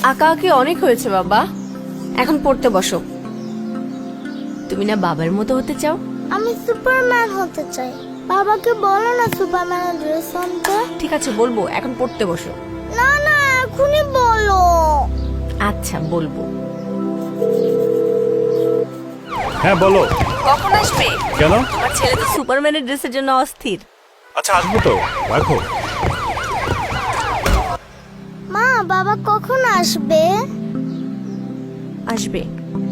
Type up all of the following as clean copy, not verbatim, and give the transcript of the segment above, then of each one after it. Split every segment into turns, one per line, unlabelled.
আঁকাআঁকি অনেক হয়েছে বাবা, এখন পড়তে বসো। তুমি না বাবার মতো হতে চাও?
আমি সুপারম্যান হতে চাই। বাবাকে বলো না সুপারম্যানের ড্রেস আনতে।
ঠিক আছে বলবো, এখন পড়তে বসো।
না না, এখনই বলো।
আচ্ছা বলবো।
হ্যাঁ বলো।
কখন আসবে?
কেন?
আমার ছেলে তো সুপারম্যানের ড্রেসের জন্য অস্থির।
আচ্ছা আসবো তো, রাখো।
মা, বাবা কখন আসবে?
আসবে।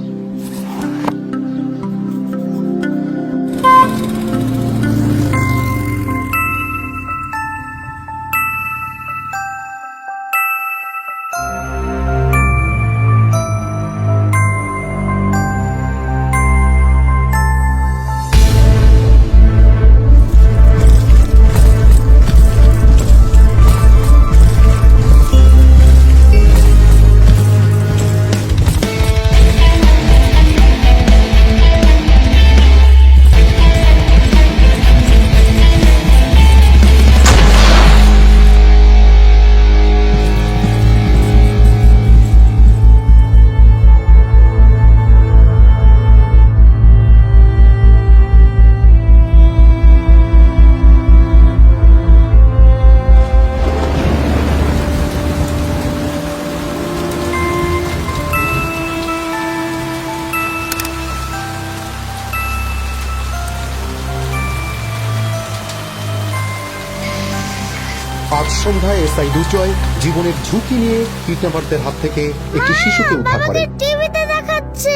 আজ সন্ধ্যায় এসআই দুর্জয় জীবনের ঝুঁকি নিয়ে কিডন্যাপারদের হাত থেকে একটি শিশুকে উদ্ধার
বাবাকে
করে।
টিভিতে দেখাচ্ছে।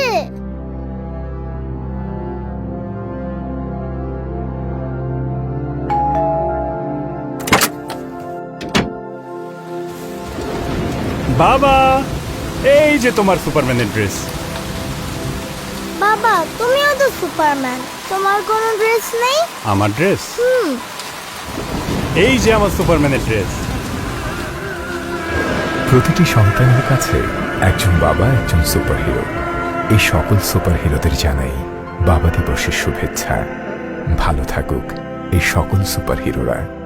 বাবা, এই যে তোমার সুপারম্যানের ড্রেস।
বাবা, তুমিও তো সুপারম্যান, তোমার কোনো ড্রেস নেই?
আমার ড্রেস? এই যে আমার সুপারম্যানের ড্রেস।
প্রতিটি সন্তানের কাছে একজন বাবা একজন সুপারহিরো। এই সকল সুপারহিরোদের জানাই বাবা দিবসের শুভেচ্ছা। ভালো থাকুক এই সকল সুপারহিরোরা।